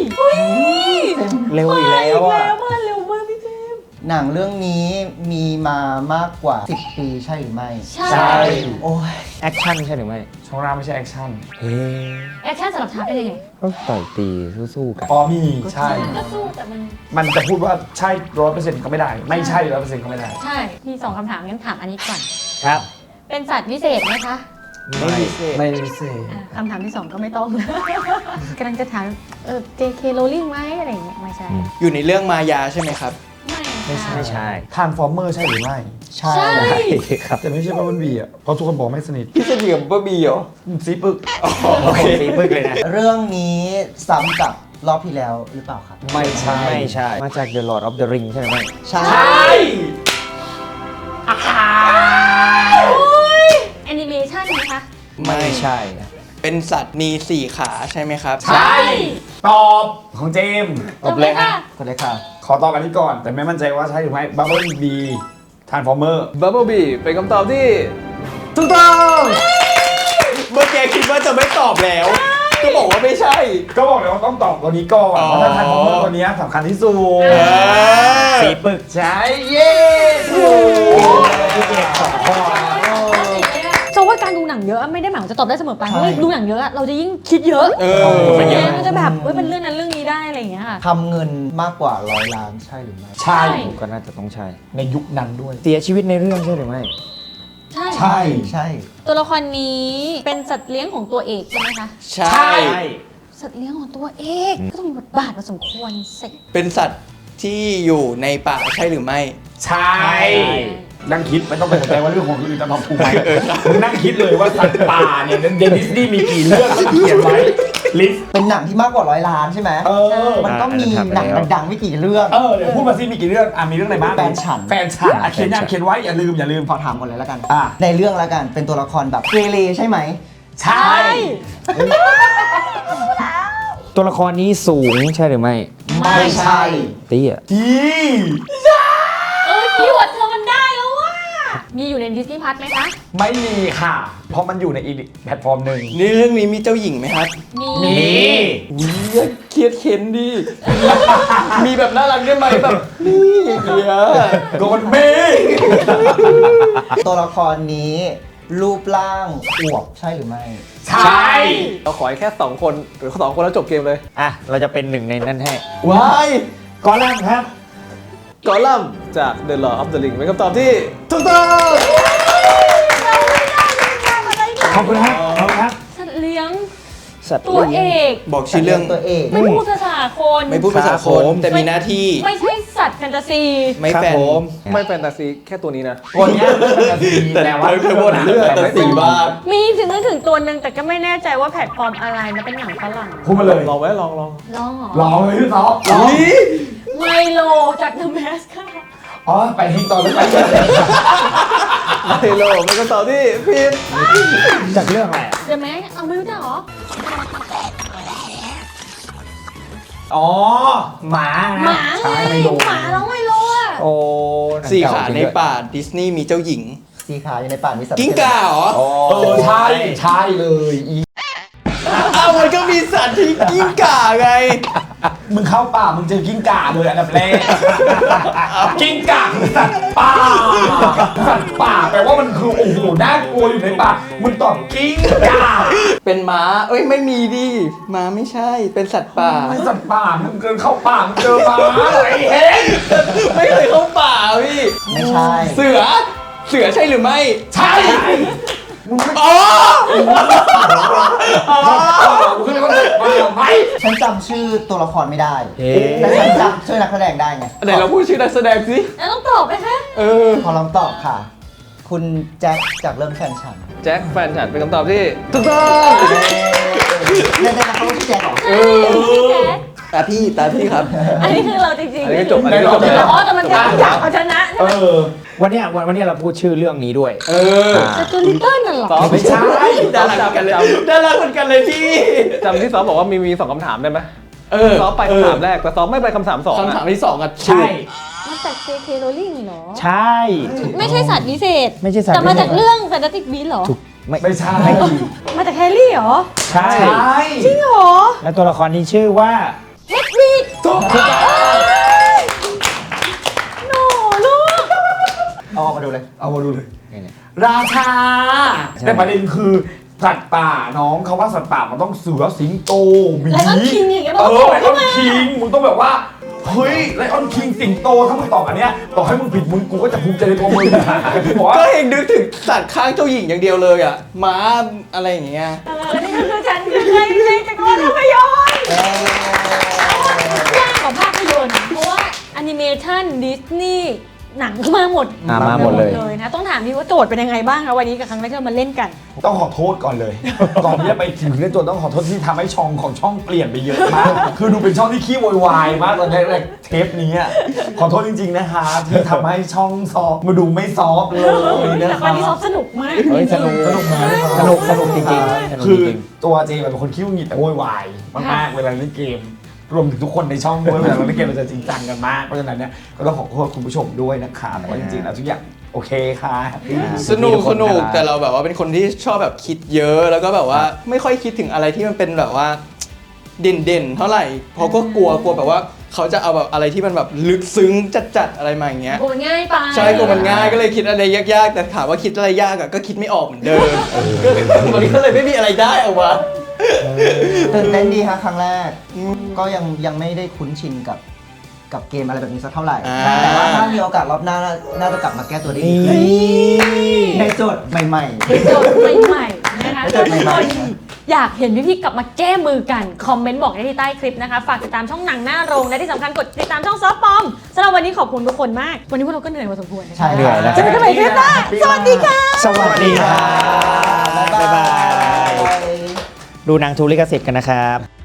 [SPEAKER 4] เร็วอีกแล้วอ่ะ
[SPEAKER 7] แล้วมาเร็วมากพี่เจมส์
[SPEAKER 6] หนังเรื่องนี้มีมามากกว่าสิบปีใช่หรือไม่
[SPEAKER 7] ใช่
[SPEAKER 3] ใช่
[SPEAKER 6] โอ้ย
[SPEAKER 4] แอคชั่นใช่หรือไม่
[SPEAKER 3] ช่องร่างไม่ใช่แอคชั่น
[SPEAKER 4] เฮ้ย
[SPEAKER 7] แอคชั่นสำหรับชาร์ปเป็นยังไง
[SPEAKER 4] ก็ต่อยตีสู้ๆกัน
[SPEAKER 3] อ๋อมีใช่
[SPEAKER 7] ก็สู้แต่มัน
[SPEAKER 3] มันจะพูดว่าใช่ร้อยเปอร์เซ็นต์ก็ไม่ได้ ไม่ใช่ร้อยเปอร์เซ็นต์ก็ไม่ได้
[SPEAKER 7] ใช่มีสองคำถามงั้นถามอันนี้ก่อน
[SPEAKER 4] ครับ
[SPEAKER 7] เป็นสัตว์พิเศษไหมคะ
[SPEAKER 5] ไม่มีเศษ
[SPEAKER 3] ไม่พิเศษ
[SPEAKER 7] อ่ะคำถามที่สองก็ไม่ต้อง กำลังจะถามเออ เจ เค Rowling ไหมอะไรอย่างเงี้ยไม่ใช่
[SPEAKER 4] อืม
[SPEAKER 5] อยู่ในเรื่องมายาใช่ไหมครับ
[SPEAKER 7] ไม่ใช่
[SPEAKER 4] ไม่ใช่
[SPEAKER 3] ทานฟอร์เมอร์ใช่หรือไม่
[SPEAKER 6] ใช่
[SPEAKER 7] ใช่
[SPEAKER 4] ครับ
[SPEAKER 3] แต่ไม่ใช่บับเบิ้ลบีอ่ะ เพราะทุกคนบอกไม่สนิท
[SPEAKER 5] พี่สนิทกับบ้าบีเหรอ
[SPEAKER 3] ซีปึก
[SPEAKER 4] โอเคตีปึกเลยนะ
[SPEAKER 6] เรื่องนี้ซ้ำกับรอบที่แล้วหรือเปล่าครับ
[SPEAKER 3] ไม่ใช่
[SPEAKER 4] ไม่ใช่ มาจาก The Lord of the Ring ใช่หรือไม่
[SPEAKER 6] ใช่
[SPEAKER 7] แอนิเมชันไหมคะ
[SPEAKER 5] ไม่
[SPEAKER 4] ใช่
[SPEAKER 5] เป็นสัตว์มีสี่ขาใช่ไหมครับ
[SPEAKER 3] ใช่ ตอบของเจมส์
[SPEAKER 4] ตบเลยฮะ
[SPEAKER 6] คนเลยค่ะ
[SPEAKER 3] ขอตอบอันนี้ก่อน แต่ไม่มั่นใจว่าใช่หรือไม่บับเบิ้ลบีทานฟอร์เมอร์
[SPEAKER 1] บับเบิลบีเป็นคำตอบที่ถูกต้อง
[SPEAKER 5] เมื่อกี้คิดว่าจะไม่ตอบแล้ว ก็บอกว่าไม่ใช่
[SPEAKER 3] ก็บอกเลยว่าต้องตอบตัวนี้ก่อน
[SPEAKER 5] อ๋อ
[SPEAKER 3] เพราะถ้าทานฟอร์เมอร์ตัวนี้สำคัญที่สุด
[SPEAKER 5] เออ
[SPEAKER 4] สีปึก
[SPEAKER 3] ใช่เย้ถูกพี่เจมส์สองข้อ
[SPEAKER 7] จะว่าการดูหนังเยอะไม่ได้หมายว่าจะตอบได้เสมอไปเพราะว่าดูหนังเยอะเราจะยิ่งคิดเยอะ
[SPEAKER 5] เออ
[SPEAKER 7] มันเยอะมันจะแบบเฮ้ยเป็นเรื่องนั้นเรื่องนี้ได้อะไรอย่างเงี้ยค่ะ
[SPEAKER 6] ทำเงินมากกว่าร้อยล้านใช่หรือไม่
[SPEAKER 3] ใช่
[SPEAKER 4] ก็น่าจะต้องใช่
[SPEAKER 3] ในยุคนั้นด้วย
[SPEAKER 4] เสียชีวิตในเรื่องใช่หรือไม่
[SPEAKER 7] ใช่
[SPEAKER 3] ใช่
[SPEAKER 6] ใช่
[SPEAKER 7] ตัวละครนี้เป็นสัตว์เลี้ยงของตัวเอกใช่ไหมคะ
[SPEAKER 5] ใช่
[SPEAKER 7] สัตว์เลี้ยงของตัวเอกก็ต้องมีบทบาทพอสมควรสิ
[SPEAKER 5] เป็นสัตว์ที่อยู่ในป่าใช่หรือไม่
[SPEAKER 3] ใช่ นั่งคิดไม่ต้องไปสนใจว่าเรื่องของคนอื่นจะตอบถูกไหมมึงนั่งคิดเลยว่าสัตว์ป่าเนี่ยในดิสนีย์มีกี่เรื่องแล้วเขียนไว้ลิสต์
[SPEAKER 6] เป็นหนังที่มากกว่าร้อยล้านใช่ไหม
[SPEAKER 3] เออ
[SPEAKER 6] มันต้องมีหนังดังๆไม่กี่เรื่อง
[SPEAKER 3] เออเดี๋ยวพูดมาสิมีกี่เรื่องอ่ะมีเรื่องอะไรบ้าง
[SPEAKER 6] แฟนฉัน
[SPEAKER 3] แฟนฉันอ่ะเขียนยังเขียนไว้อย่าลืมอย่าลืม
[SPEAKER 6] ขอถามก่อนเลยแล้วกัน
[SPEAKER 3] อ่ะ
[SPEAKER 6] ในเรื่องแล้วกันเป็นตัวละครแบบเกเรใช่ไหม
[SPEAKER 3] ใช่
[SPEAKER 4] ตัวละครนี้สูงใช่หรือไม่
[SPEAKER 6] ไม่ใช่
[SPEAKER 4] เตี้ย
[SPEAKER 3] ที่
[SPEAKER 7] เออคีย์เวิร์ดเธอมันได้แล้วว่ะมีอยู่ในดิสนีย์พัทไหมคะ
[SPEAKER 3] ไม่มีค่ะ เพราะมันอยู่ในอีกแพลตฟอร์มหนึ่ง
[SPEAKER 5] นี่เรื่องนี้มีเจ้าหญิงไหมครับ
[SPEAKER 7] มี
[SPEAKER 3] มี
[SPEAKER 5] อุ้ยเครียดเข็นดี มีแบบน่ารักได้ไหมแบบนี่เดีย
[SPEAKER 3] โกนเมฆ
[SPEAKER 6] ตัวละครนี้รูปร่างอวบใช่หรือไม่
[SPEAKER 3] ใช่
[SPEAKER 1] เราขอแค่สองคนหรือสองคนแล้วจบเกมเลย
[SPEAKER 4] อ่ะ เราจะเป็นหนึ่งในนั้นให้
[SPEAKER 5] ว้าย
[SPEAKER 3] ก่อนแรกครับ
[SPEAKER 1] กอลัมน์จาก The Lord of the Ring เป็นคำตอบที่ถูกต้อง
[SPEAKER 3] ขอบคุณครับ ขอบคุณครับ
[SPEAKER 7] สัตว์เลี้ยง
[SPEAKER 4] สัตว์
[SPEAKER 7] ตัวเอก
[SPEAKER 5] บอกชื่อเรื่อง
[SPEAKER 6] ตัวเอก
[SPEAKER 7] ไม่พูดภาษาคน
[SPEAKER 5] ไม่พูดภาษาคนแต่มีหน้าที่
[SPEAKER 7] ไม่ใช่สัตว์แฟนตาซี
[SPEAKER 5] ไม่
[SPEAKER 4] ครับ
[SPEAKER 5] แฟน
[SPEAKER 4] ผม
[SPEAKER 1] ไม่แฟนตาซีแค่ตัวนี้นะ
[SPEAKER 3] ตัวเนี้ยเป็นนาที
[SPEAKER 5] แต่
[SPEAKER 3] แต่ว่า
[SPEAKER 5] เธอบ่นเรื่องแต่สีบ้าน
[SPEAKER 7] มีถึงนึกถึงตัวหนึ่งแต่ก็ไม่แน่ใจว่าแพลตฟอร์มอะไรนะเป็นหนังฝรั่ง
[SPEAKER 3] พูดมาเลย
[SPEAKER 1] ลองไว้ลองลอง
[SPEAKER 7] ลองเหรอ
[SPEAKER 3] ลองเลยพี่ต๊อบลอง
[SPEAKER 7] ไมโลจาก The Mask ค่ะ
[SPEAKER 3] อ๋อ ไปทิ้งตอนแล้วไป
[SPEAKER 1] ไฮโลเป็นคำตอบที่ผิด
[SPEAKER 3] จากเรื่องอะไรอะ
[SPEAKER 7] The Mask เอาไม่รู้จักเหรอ
[SPEAKER 3] อ๋อ หมา
[SPEAKER 7] หมาไง
[SPEAKER 3] ใช่ไม่รู้
[SPEAKER 7] หมาน้องไมโลอ่ะ
[SPEAKER 4] โอ้
[SPEAKER 5] สี่ขาในป่าดิสนีย์มีเจ้าหญิง
[SPEAKER 6] สีขาวอยู่ในป่ามีสัตว์
[SPEAKER 5] กิ้งก่าเหรอ
[SPEAKER 3] เออ ใช่ ใช่เลยอี
[SPEAKER 5] อ้าวมันก็มีสัตว์ที่กิ้งก่าไง
[SPEAKER 3] มึงเข้าป่า มึงเจอกิ้งก่าเลยอันดับแรก กิ้งก่าคือสัตว์ป่า สัตว์ป่าแปลว่ามันคือโอ้โหน่ากลัวอยู่ในป่า มึงตอบกิ้งก่า
[SPEAKER 5] เป็นม้า เอ้ยไม่มีดิม้าไม่ใช่ เป็นสัตว์ป่า
[SPEAKER 3] ไม่สัตว์ป่า มึงเกินเข้าป่า มึงเจอหมาไอ้เฮ้ย
[SPEAKER 5] ไม่เคยเข้าป่าพี่
[SPEAKER 6] ไม่ใช่
[SPEAKER 5] เสือ เสือใช่หรือไม่
[SPEAKER 3] ใช่ มึงไม่
[SPEAKER 5] อ๋อ
[SPEAKER 3] มึงคือคนเด็กมาไหม
[SPEAKER 6] ฉันจำชื่อตัวละครไม่ได้
[SPEAKER 4] เอ๊ะ
[SPEAKER 6] แต่ฉันจำชื่อนักแสดงได้ไง
[SPEAKER 5] ไหนเราพูดชื่อนักแสดงสิ
[SPEAKER 7] แล้วต้องตอบไหมคะ
[SPEAKER 5] เออ
[SPEAKER 6] ขอลองตอบค่ะ คุณแจ็คจากเรื่องแฟนฉัน
[SPEAKER 1] แจ็คแฟนฉันเป็นคำตอบที่ถูกต้อง
[SPEAKER 6] เล่นได้นะเขาชื่อแจ็คเหรอ
[SPEAKER 5] เออ ตาพี่ ตาพี่ครับ
[SPEAKER 7] อันนี้คือเราจริงๆ
[SPEAKER 1] อันนี้ก็จบอันนี้ก็จบ
[SPEAKER 7] จริงๆ
[SPEAKER 1] แล้ว
[SPEAKER 7] อ๋อแต่มันอยากอยากเอาชนะ
[SPEAKER 3] เออ วันเนี้ยวันวันเนี้ยเราพูดชื่อเรื่องนี้ด้วย
[SPEAKER 5] เออ
[SPEAKER 7] แต่ตัวลิตเติ้ลน่ะเหรอ
[SPEAKER 1] ซอฟ
[SPEAKER 3] ไม่ใช่
[SPEAKER 5] ดาราเหมือนกันเลยดาราเหมือนกันเลยพี่
[SPEAKER 1] จำที่ซอฟบอกว่ามีมีสองคำถามได้ไหม
[SPEAKER 5] เออ
[SPEAKER 1] ซอฟไปคำถามแรกแต่ซอฟไม่ไปคำถามสอง
[SPEAKER 5] คำถาม
[SPEAKER 1] อะ
[SPEAKER 5] ที่สองอ่ะ
[SPEAKER 3] ใช่
[SPEAKER 7] มาจาก เจ เค Rowling เหรอ
[SPEAKER 4] ใช่
[SPEAKER 7] ไม่ใช่สัตว์วิเศษ
[SPEAKER 4] ไม่ใช่สัตว์
[SPEAKER 7] แต่มาจาก
[SPEAKER 4] วิเศษ
[SPEAKER 7] เรื่อง Fantastic Beasts เหรอ
[SPEAKER 4] ไม่
[SPEAKER 3] ไม่ใช่
[SPEAKER 7] มาจากแฮร์รี่เหรอ
[SPEAKER 4] ใช่
[SPEAKER 3] ใช่
[SPEAKER 7] จริงเหรอ
[SPEAKER 4] แล้วตัวละครนี้ชื่อว่า
[SPEAKER 7] เฮดวิด
[SPEAKER 3] ถูก
[SPEAKER 7] โน่ลูก
[SPEAKER 6] เอาออกมาดูเลย
[SPEAKER 3] เอามาดูเลย ราชา แต่ประเด็นคือสัตว์ป่าน้องเขาว่าสัตว์ป่ามันต้องเสือสิงโตหมี
[SPEAKER 7] ไลออนคิงอย่างเงี้ย
[SPEAKER 3] เออไลอ
[SPEAKER 7] ต้
[SPEAKER 3] อ
[SPEAKER 7] อง
[SPEAKER 3] น
[SPEAKER 7] มา
[SPEAKER 3] คิงมึงต้องแบบว่าเฮ้ยไลออนคิงสิงโตถ้ามึงตอบอันเนี้ยต่อให้มึงผิดมึงกูก็จะภูมิใจในตัวมึงบอกว่า
[SPEAKER 5] ก็เห็นนึกถึงสัตว์ข้างเจ้าหญิงอย่างเดียวเลยอ่ะ ม้าอะไรอย่างเงี้ย
[SPEAKER 7] เออนี่ก็คือฉันคือใครในจักรวาลภาพยนตร์ยากกว่าภาพยนตร์เพราะว่าแอนิเมชันดิสนีย์หนังก็มาหมด
[SPEAKER 4] อ่ามาหมดเลย
[SPEAKER 7] เลยนะต้องถามพี่ว่าโจทย์เป็นยังไงบ้างคะวันนี้กับครั้งแรกที่เรามาเล่นกัน
[SPEAKER 3] ต้องขอโทษก่อนเลย ก่อนที่จะไปถึงเรื่องตัวต้องขอโทษที่ทำให้ช่องของช่องเปลี่ยนไปเยอะมาก คือดูเป็นช่องที่ขี้โวยวายมากตอนแรกๆเทปนี้อะขอโทษจริงๆนะคะที่ทำให้ช่องซอฟต์มาดูไม่ซอฟต์เลยนะ
[SPEAKER 7] แต่
[SPEAKER 3] คะ
[SPEAKER 7] วันนี้ซอฟสนุกมาก
[SPEAKER 4] เฮ้ยสนุก
[SPEAKER 3] สนุกไหม
[SPEAKER 4] สนุกสนุกจริงๆสนุก
[SPEAKER 3] คือ
[SPEAKER 4] จริง
[SPEAKER 3] ตัวเจมเป็นคนขี้หงุดหงิดแต่โวยวายมากๆเวลาเล่นเกม รวมถึงทุกคนในช่องด้วยเวลาเราเล่นเกมเราจะจริงจังกันมากเพราะฉะนั้นเนี่ยก็ต้องขอโทษคุณผู้ชมด้วยนะคะแต่ว่าจริงๆแล้วทุกอย่างโอเคค่ะ
[SPEAKER 5] สนุกสนุกแต่เราแบบว่าเป็นคนที่ชอบแบบคิดเยอะแล้วก็แบบว่าไม่ค่อยคิดถึงอะไรที่มันเป็นแบบว่าเด่นๆเท่าไหร่เพราะก็กลัวกลัวแบบว่าเขาจะเอาแบบอะไรที่มันแบบลึกซึ้งจัดๆอะไรมาอย่างเงี้ย
[SPEAKER 7] โอ้มันง่ายไป
[SPEAKER 5] ใช่กลัวมันง่ายก็เลยคิดอะไรยากๆ แต่ถามว่าคิดอะไรยากอะก็คิดไม่ออกเหมือนเดิมก็เลยมันก็เลยไม่มีอะไรได้ออกมา
[SPEAKER 6] ตื่นเต้นดีฮะครั้งแรก ก็ยังยังไม่ได้คุ้นชินกับกับเกมอะไรแบบนี้สักเท่าไหร่
[SPEAKER 5] อ่า
[SPEAKER 6] แต่ว่าถ้ามีโอกาสรอบหน้าน่าน่าจะกลับมาแก้ตัวได้ดีขึ้นในโจทย์ใหม่
[SPEAKER 7] โจทย์ใหม่ๆนะคะ
[SPEAKER 6] โจทย์ใหม่ๆ
[SPEAKER 7] ทุกคนอยากเห็นพี่ๆกลับมาแก้มือกัน คอมเมนต์บอกได้ที่ใต้คลิปนะคะ ฝากติดตามช่องหนังหน้าโรง และที่สำคัญกดติดตามช่องซอฟต์ปอมสำหรับวันนี้ขอบคุณทุกคนมาก วันนี้พวกเราก็เหนื่อยพอสมควรนะ
[SPEAKER 6] ๆ ใช่
[SPEAKER 4] เหนื่อยแล้ว
[SPEAKER 7] เจอกันใหม่คลิปหน้าสวัสดีค่ะ
[SPEAKER 4] ๆ สวัสดีครับ
[SPEAKER 6] บ๊ายบาย
[SPEAKER 4] ดูหนังทูลิขสิทธิ์กันนะครับ